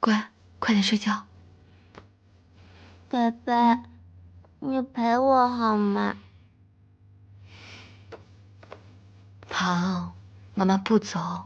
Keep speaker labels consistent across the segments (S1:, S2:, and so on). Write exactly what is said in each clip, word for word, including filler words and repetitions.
S1: 乖，快点睡觉。
S2: 贝贝，你陪我好吗？
S1: 好，妈妈不走。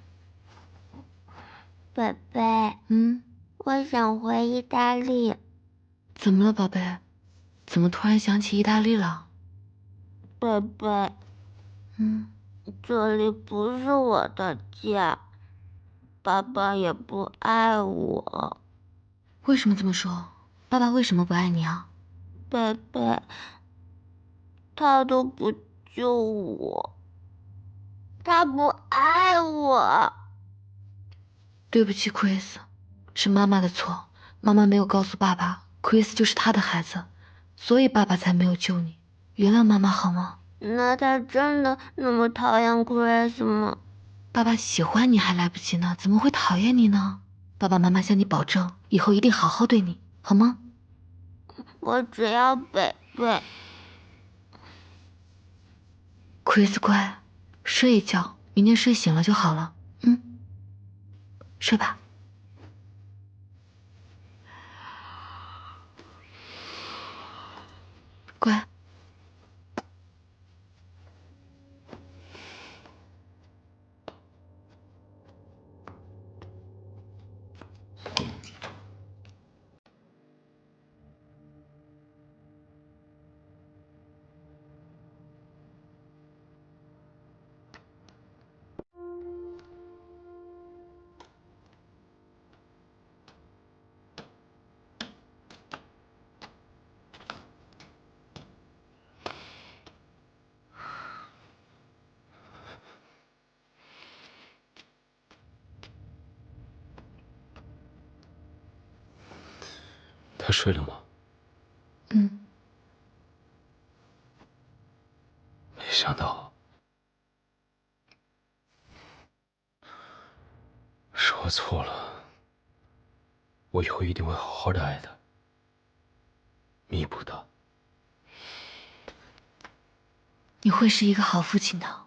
S2: 贝贝，
S1: 嗯，
S2: 我想回意大利。
S1: 怎么了，宝贝？怎么突然想起意大利了？
S2: 贝贝，
S1: 嗯，
S2: 这里不是我的家，爸爸也不爱我。
S1: 为什么这么说？爸爸为什么不爱你啊？
S2: 贝贝，他都不救我，他不爱我。
S1: 对不起，Chris，是妈妈的错。妈妈没有告诉爸爸，Chris 就是他的孩子，所以爸爸才没有救你。原谅妈妈好吗？
S2: 那他真的那么讨厌 Chris 吗？
S1: 爸爸喜欢你还来不及呢，怎么会讨厌你呢？爸爸妈妈向你保证，以后一定好好对你，好吗？
S2: 我只要贝贝。
S1: Chris 乖，睡一觉，明天睡醒了就好了。嗯，睡吧。乖。
S3: 他睡了吗？
S1: 嗯。
S3: 没想到是我错了，我以后一定会好好的爱他，弥补他。
S1: 你会是一个好父亲的。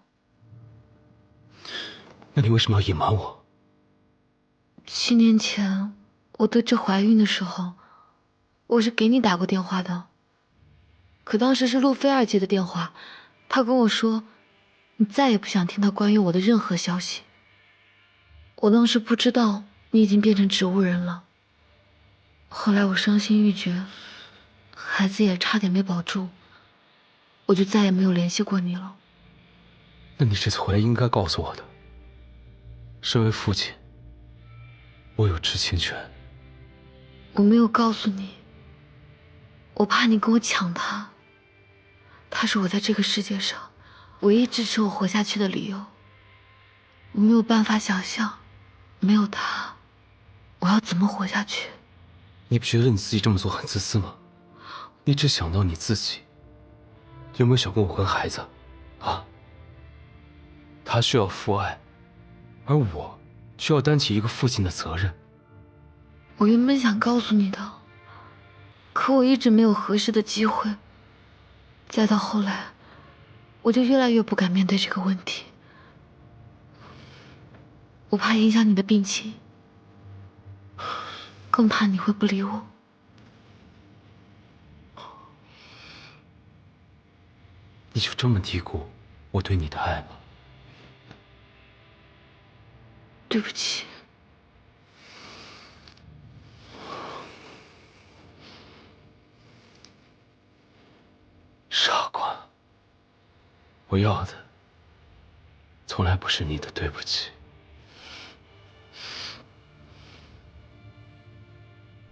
S3: 那你为什么要隐瞒我？
S1: 七年前我得知怀孕的时候，我是给你打过电话的。可当时是路菲尔接的电话，他跟我说，你再也不想听到关于我的任何消息。我当时不知道你已经变成植物人了。后来我伤心欲绝，孩子也差点没保住，我就再也没有联系过你了。
S3: 那你这次回来应该告诉我的。身为父亲，我有知情权。
S1: 我没有告诉你，我怕你跟我抢他。他是我在这个世界上唯一支持我活下去的理由。我没有办法想象，没有他，我要怎么活下去？
S3: 你不觉得你自己这么做很自私吗？你只想到你自己，有没有想过我跟孩子？啊？他需要父爱，而我需要担起一个父亲的责任。
S1: 我原本想告诉你的，可我一直没有合适的机会。再到后来，我就越来越不敢面对这个问题。我怕影响你的病情，更怕你会不理我。
S3: 你就这么低估我对你的爱吗？
S1: 对不起。
S3: 傻瓜，我要的从来不是你的对不起。